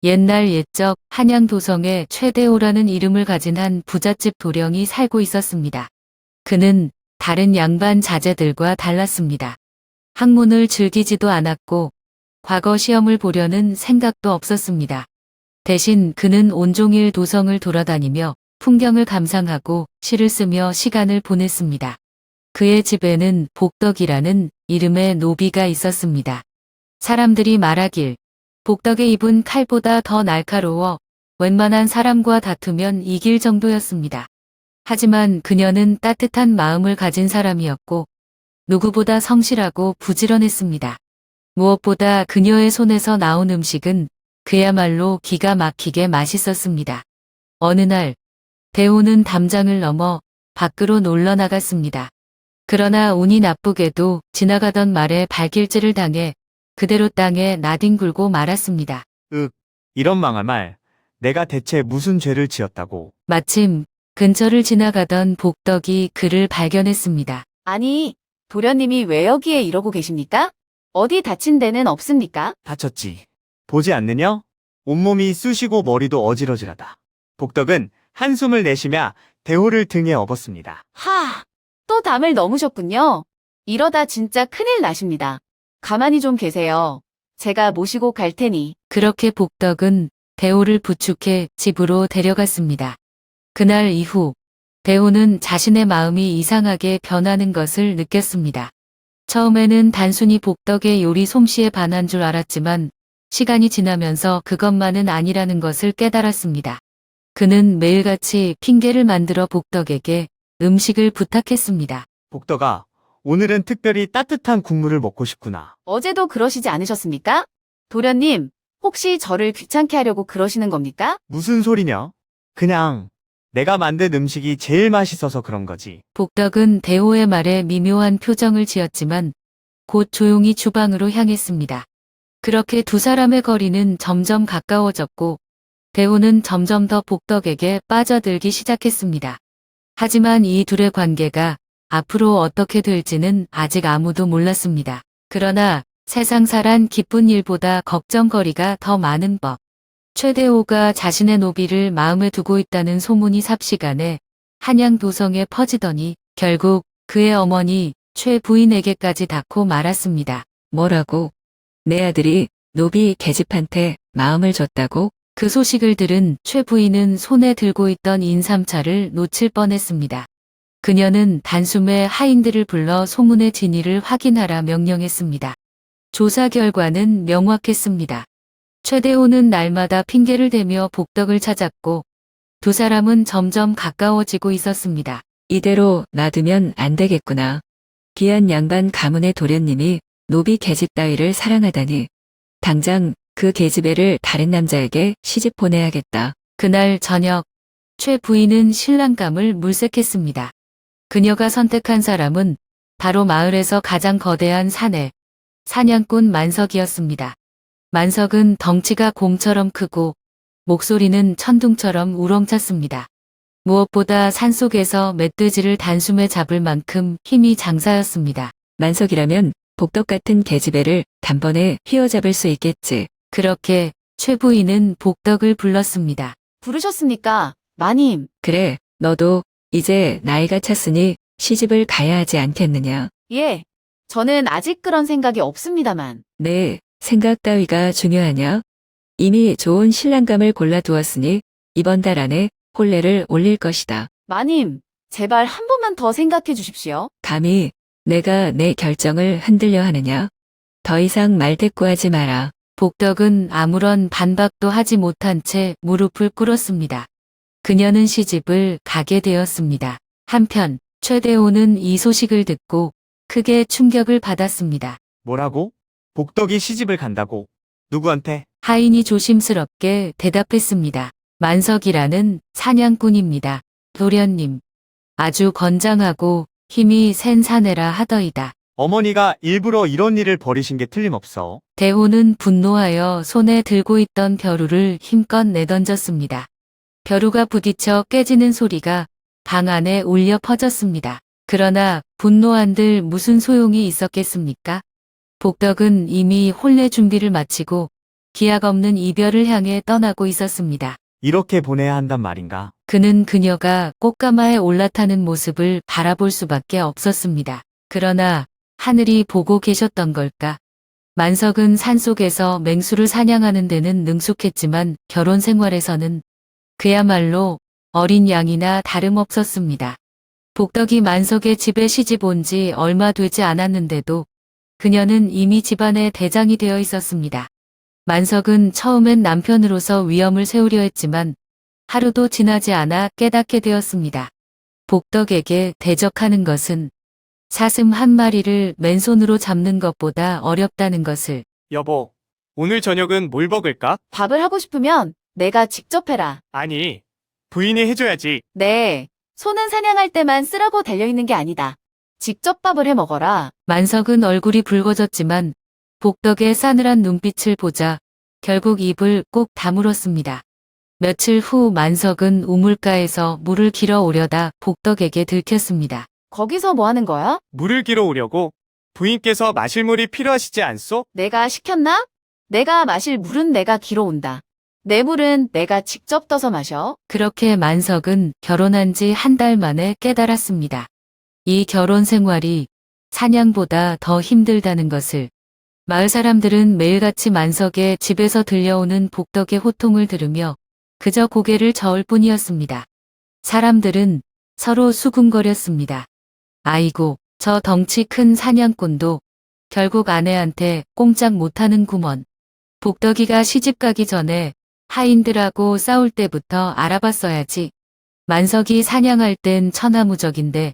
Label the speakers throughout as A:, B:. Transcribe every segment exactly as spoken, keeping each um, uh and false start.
A: 옛날 옛적 한양 도성에 최대호라는 이름을 가진 한 부잣집 도령이 살고 있었습니다. 그는 다른 양반 자제들과 달랐습니다. 학문을 즐기지도 않았고 과거 시험을 보려는 생각도 없었습니다. 대신 그는 온종일 도성을 돌아다니며 풍경을 감상하고 시를 쓰며 시간을 보냈습니다. 그의 집에는 복덕이라는 이름의 노비가 있었습니다. 사람들이 말하길 복덕의 입은 칼보다 더 날카로워 웬만한 사람과 다투면 이길 정도였습니다. 하지만 그녀는 따뜻한 마음을 가진 사람이었고 누구보다 성실하고 부지런했습니다. 무엇보다 그녀의 손에서 나온 음식은 그야말로 기가 막히게 맛있었습니다. 어느 날 대호는 담장을 넘어 밖으로 놀러 나갔습니다. 그러나 운이 나쁘게도 지나가던 말에 발길질을 당해 그대로 땅에 나뒹굴고 말았습니다.
B: 윽, 이런 망할 말. 내가 대체 무슨 죄를 지었다고.
A: 마침 근처를 지나가던 복덕이 그를 발견했습니다.
C: 아니, 도련님이 왜 여기에 이러고 계십니까? 어디 다친 데는 없습니까?
B: 다쳤지. 보지 않느냐? 온몸이 쑤시고 머리도 어지러지하다. 복덕은 한숨을 내쉬며 대호를 등에 업었습니다.
C: 하, 또 담을 넘으셨군요. 이러다 진짜 큰일 나십니다. 가만히 좀 계세요. 제가 모시고 갈 테니.
A: 그렇게 복덕은 대호를 부축해 집으로 데려갔습니다. 그날 이후 대호는 자신의 마음이 이상하게 변하는 것을 느꼈습니다. 처음에는 단순히 복덕의 요리 솜씨에 반한 줄 알았지만 시간이 지나면서 그것만은 아니라는 것을 깨달았습니다. 그는 매일같이 핑계를 만들어 복덕에게 음식을 부탁했습니다.
B: 복덕아, 오늘은 특별히 따뜻한 국물을 먹고 싶구나.
C: 어제도 그러시지 않으셨습니까? 도련님, 혹시 저를 귀찮게 하려고 그러시는 겁니까?
B: 무슨 소리냐? 그냥 내가 만든 음식이 제일 맛있어서 그런 거지.
A: 복덕은 대호의 말에 미묘한 표정을 지었지만 곧 조용히 주방으로 향했습니다. 그렇게 두 사람의 거리는 점점 가까워졌고 대호는 점점 더 복덕에게 빠져들기 시작했습니다. 하지만 이 둘의 관계가 앞으로 어떻게 될지는 아직 아무도 몰랐습니다. 그러나 세상사란 기쁜 일보다 걱정거리가 더 많은 법. 최대호가 자신의 노비를 마음에 두고 있다는 소문이 삽시간에 한양 도성에 퍼지더니 결국 그의 어머니 최 부인에게까지 닿고 말았습니다.
D: 뭐라고? 내 아들이 노비 계집한테 마음을 줬다고?
A: 그 소식을 들은 최 부인은 손에 들고 있던 인삼차를 놓칠 뻔했습니다. 그녀는 단숨에 하인들을 불러 소문의 진위를 확인하라 명령했습니다. 조사 결과는 명확했습니다. 최대호는 날마다 핑계를 대며 복덕을 찾았고 두 사람은 점점 가까워지고 있었습니다.
D: 이대로 놔두면 안 되겠구나. 귀한 양반 가문의 도련님이 노비 계집 따위를 사랑하다니. 당장 그 계집애를 다른 남자에게 시집 보내야겠다.
A: 그날 저녁 최 부인은 신랑감을 물색했습니다. 그녀가 선택한 사람은 바로 마을에서 가장 거대한 사내 사냥꾼 만석이었습니다. 만석은 덩치가 곰처럼 크고 목소리는 천둥처럼 우렁찼습니다. 무엇보다 산속에서 멧돼지를 단숨에 잡을 만큼 힘이 장사였습니다.
D: 만석이라면 복덕 같은 계집애를 단번에 휘어잡을 수 있겠지.
A: 그렇게 최 부인은 복덕을 불렀습니다.
C: 부르셨습니까? 마님.
D: 그래, 너도 이제 나이가 찼으니 시집을 가야 하지 않겠느냐.
C: 예. 저는 아직 그런 생각이 없습니다만.
D: 네, 생각 따위가 중요하냐? 이미 좋은 신랑감을 골라두었으니 이번 달 안에 혼례를 올릴 것이다.
C: 마님, 제발 한 번만 더 생각해 주십시오.
D: 감히 내가 내 결정을 흔들려 하느냐? 더 이상 말대꾸하지 마라.
A: 복덕은 아무런 반박도 하지 못한 채 무릎을 꿇었습니다. 그녀는 시집을 가게 되었습니다. 한편 최대호는 이 소식을 듣고 크게 충격을 받았습니다.
B: 뭐라고? 복덕이 시집을 간다고? 누구한테?
A: 하인이 조심스럽게 대답했습니다. 만석이라는 사냥꾼입니다. 도련님. 아주 건장하고 힘이 센 사내라 하더이다.
B: 어머니가 일부러 이런 일을 벌이신 게 틀림없어.
A: 대호는 분노하여 손에 들고 있던 벼루를 힘껏 내던졌습니다. 벼루가 부딪혀 깨지는 소리가 방 안에 울려 퍼졌습니다. 그러나 분노한들 무슨 소용이 있었겠습니까? 복덕은 이미 혼례 준비를 마치고 기약 없는 이별을 향해 떠나고 있었습니다.
B: 이렇게 보내야 한단 말인가?
A: 그는 그녀가 꽃가마에 올라타는 모습을 바라볼 수밖에 없었습니다. 그러나 하늘이 보고 계셨던 걸까? 만석은 산속에서 맹수를 사냥하는 데는 능숙했지만 결혼 생활에서는 그야말로 어린 양이나 다름없었습니다. 복덕이 만석의 집에 시집 온 지 얼마 되지 않았는데도 그녀는 이미 집안의 대장이 되어 있었습니다. 만석은 처음엔 남편으로서 위험을 세우려 했지만 하루도 지나지 않아 깨닫게 되었습니다. 복덕에게 대적하는 것은 사슴 한 마리를 맨손으로 잡는 것보다 어렵다는 것을.
E: 여보, 오늘 저녁은 뭘 먹을까?
C: 밥을 하고 싶으면 내가 직접 해라.
E: 아니, 부인이 해줘야지.
C: 네, 소는 사냥할 때만 쓰라고 달려있는 게 아니다. 직접 밥을 해 먹어라.
A: 만석은 얼굴이 붉어졌지만 복덕의 싸늘한 눈빛을 보자 결국 입을 꼭 다물었습니다. 며칠 후 만석은 우물가에서 물을 길어 오려다 복덕에게 들켰습니다.
C: 거기서 뭐 하는 거야?
E: 물을 길어 오려고. 부인께서 마실 물이 필요하시지 않소?
C: 내가 시켰나? 내가 마실 물은 내가 길어 온다. 내 물은 내가 직접 떠서 마셔.
A: 그렇게 만석은 결혼한 지 한 달 만에 깨달았습니다. 이 결혼 생활이 사냥보다 더 힘들다는 것을. 마을 사람들은 매일같이 만석의 집에서 들려오는 복덕의 호통을 들으며 그저 고개를 저을 뿐이었습니다. 사람들은 서로 수군거렸습니다. 아이고, 저 덩치 큰 사냥꾼도 결국 아내한테 꼼짝 못하는 구먼. 복덕이가 시집가기 전에 하인들하고 싸울 때부터 알아봤어야지. 만석이 사냥할 땐 천하무적인데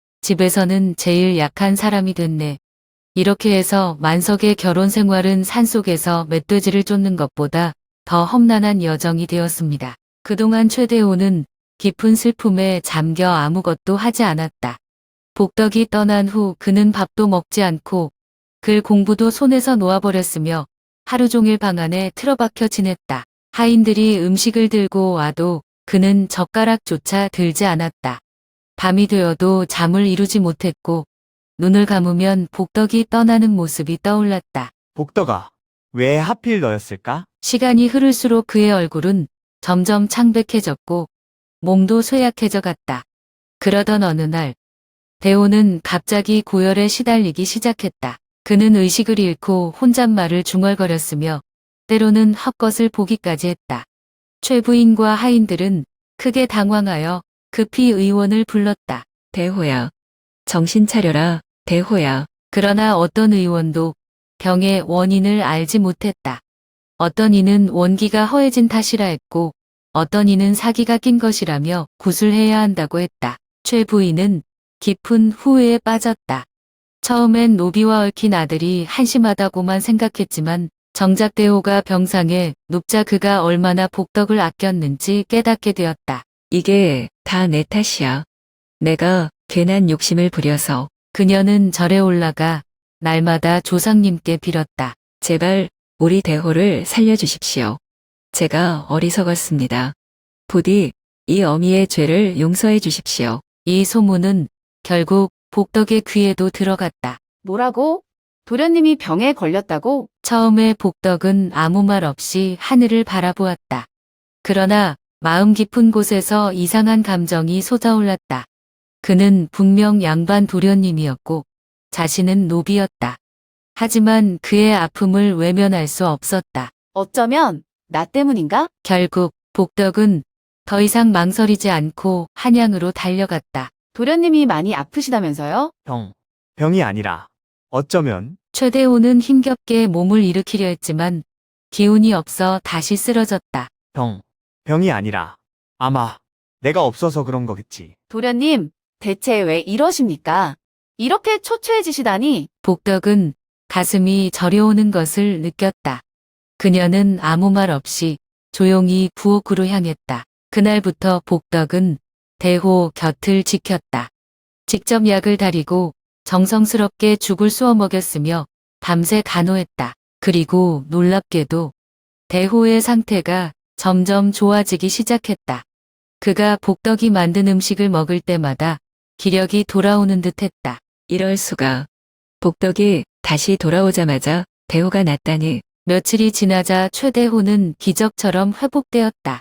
A: 집에서는 제일 약한 사람이 됐네. 이렇게 해서 만석의 결혼 생활은 산속에서 멧돼지를 쫓는 것보다 더 험난한 여정이 되었습니다. 그동안 최대호는 깊은 슬픔에 잠겨 아무것도 하지 않았다. 복덕이 떠난 후 그는 밥도 먹지 않고 글 공부도 손에서 놓아버렸으며 하루 종일 방 안에 틀어박혀 지냈다. 하인들이 음식을 들고 와도 그는 젓가락조차 들지 않았다. 밤이 되어도 잠을 이루지 못했고 눈을 감으면 복덕이 떠나는 모습이 떠올랐다.
B: 복덕아, 왜 하필 너였을까?
A: 시간이 흐를수록 그의 얼굴은 점점 창백해졌고 몸도 쇠약해져 갔다. 그러던 어느 날 대호는 갑자기 고열에 시달리기 시작했다. 그는 의식을 잃고 혼잣말을 중얼거렸으며 때로는 헛것을 보기까지 했다. 최 부인과 하인들은 크게 당황하여 급히 의원을 불렀다.
D: 대호야. 정신 차려라, 대호야.
A: 그러나 어떤 의원도 병의 원인을 알지 못했다. 어떤 이는 원기가 허해진 탓이라 했고 어떤 이는 사기가 낀 것이라며 구술해야 한다고 했다. 최 부인은 깊은 후회에 빠졌다. 처음엔 노비와 얽힌 아들이 한심하다고만 생각했지만 정작 대호가 병상에 눕자 그가 얼마나 복덕을 아꼈는지 깨닫게 되었다.
D: 이게 다 내 탓이야. 내가 괜한 욕심을 부려서.
A: 그녀는 절에 올라가 날마다 조상님께 빌었다.
D: 제발 우리 대호를 살려주십시오. 제가 어리석었습니다. 부디 이 어미의 죄를 용서해 주십시오.
A: 이 소문은 결국 복덕의 귀에도 들어갔다.
C: 뭐라고? 도련님이 병에 걸렸다고?
A: 처음에 복덕은 아무 말 없이 하늘을 바라보았다. 그러나 마음 깊은 곳에서 이상한 감정이 솟아올랐다. 그는 분명 양반 도련님이었고 자신은 노비였다. 하지만 그의 아픔을 외면할 수 없었다.
C: 어쩌면 나 때문인가?
A: 결국 복덕은 더 이상 망설이지 않고 한양으로 달려갔다.
C: 도련님이 많이 아프시다면서요?
B: 병. 병이 아니라 어쩌면
A: 최대호는 힘겹게 몸을 일으키려 했지만 기운이 없어 다시 쓰러졌다.
B: 병. 병이 아니라 아마 내가 없어서 그런 거겠지.
C: 도련님, 대체 왜 이러십니까? 이렇게 초췌해지시다니.
A: 복덕은 가슴이 저려오는 것을 느꼈다. 그녀는 아무 말 없이 조용히 부엌으로 향했다. 그날부터 복덕은 대호 곁을 지켰다. 직접 약을 다리고 정성스럽게 죽을 쏘아 먹였으며 밤새 간호했다. 그리고 놀랍게도 대호의 상태가 점점 좋아지기 시작했다. 그가 복덕이 만든 음식을 먹을 때마다 기력이 돌아오는 듯했다.
D: 이럴 수가. 복덕이 다시 돌아오자마자 대호가 낫다니.
A: 며칠이 지나자 최대호는 기적처럼 회복되었다.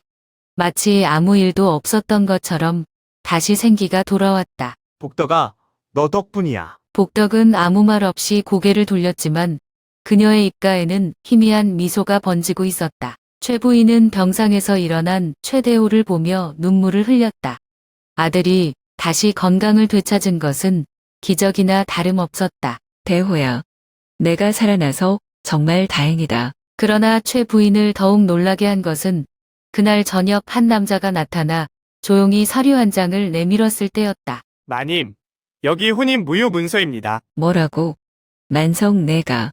A: 마치 아무 일도 없었던 것처럼 다시 생기가 돌아왔다.
B: 복덕아, 너 덕분이야.
A: 복덕은 아무 말 없이 고개를 돌렸지만 그녀의 입가에는 희미한 미소가 번지고 있었다. 최 부인은 병상에서 일어난 최대호를 보며 눈물을 흘렸다. 아들이 다시 건강을 되찾은 것은 기적이나 다름없었다.
D: 대호야. 내가 살아나서 정말 다행이다.
A: 그러나 최 부인을 더욱 놀라게 한 것은 그날 저녁 한 남자가 나타나 조용히 서류 한 장을 내밀었을 때였다.
E: 마님, 여기 혼인 무효 문서입니다.
D: 뭐라고? 만석 내가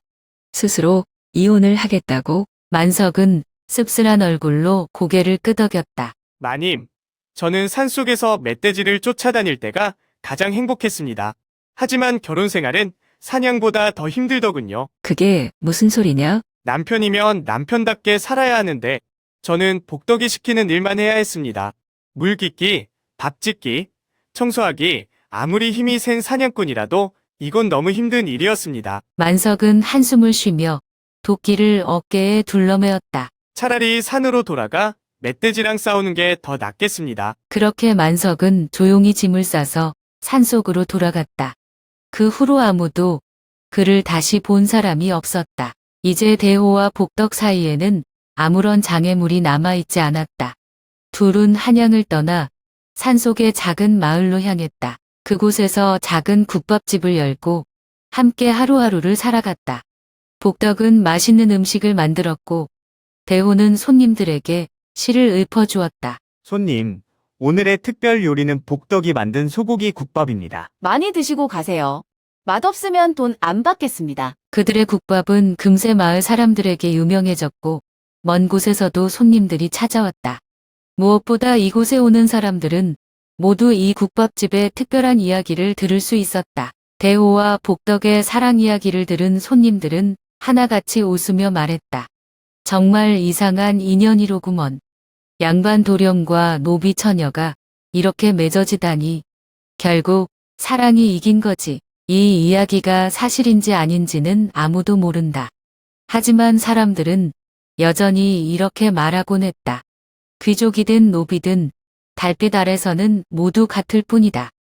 D: 스스로 이혼을 하겠다고?
A: 만석은 씁쓸한 얼굴로 고개를 끄덕였다.
E: 마님, 저는 산속에서 멧돼지를 쫓아다닐 때가 가장 행복했습니다. 하지만 결혼 생활은 사냥보다 더 힘들더군요.
D: 그게 무슨 소리냐?
E: 남편이면 남편답게 살아야 하는데 저는 복덕이 시키는 일만 해야 했습니다. 물 깃기, 밥 짓기, 청소하기, 아무리 힘이 센 사냥꾼이라도 이건 너무 힘든 일이었습니다.
A: 만석은 한숨을 쉬며 도끼를 어깨에 둘러매었다.
E: 차라리 산으로 돌아가 멧돼지랑 싸우는 게 더 낫겠습니다.
A: 그렇게 만석은 조용히 짐을 싸서 산속으로 돌아갔다. 그 후로 아무도 그를 다시 본 사람이 없었다. 이제 대호와 복덕 사이에는 아무런 장애물이 남아있지 않았다. 둘은 한양을 떠나 산속의 작은 마을로 향했다. 그곳에서 작은 국밥집을 열고 함께 하루하루를 살아갔다. 복덕은 맛있는 음식을 만들었고 대호는 손님들에게 시를 읊어주었다.
B: 손님, 오늘의 특별 요리는 복덕이 만든 소고기 국밥입니다.
C: 많이 드시고 가세요. 맛없으면 돈 안 받겠습니다.
A: 그들의 국밥은 금세 마을 사람들에게 유명해졌고 먼 곳에서도 손님들이 찾아왔다. 무엇보다 이곳에 오는 사람들은 모두 이 국밥집의 특별한 이야기를 들을 수 있었다. 대호와 복덕의 사랑 이야기를 들은 손님들은 하나같이 웃으며 말했다. 정말 이상한 인연이로구먼. 양반 도령과 노비 처녀가 이렇게 맺어지다니. 결국 사랑이 이긴 거지. 이 이야기가 사실인지 아닌지는 아무도 모른다. 하지만 사람들은 여전히 이렇게 말하곤 했다. 귀족이든 노비든 달빛 아래서는 모두 같을 뿐이다.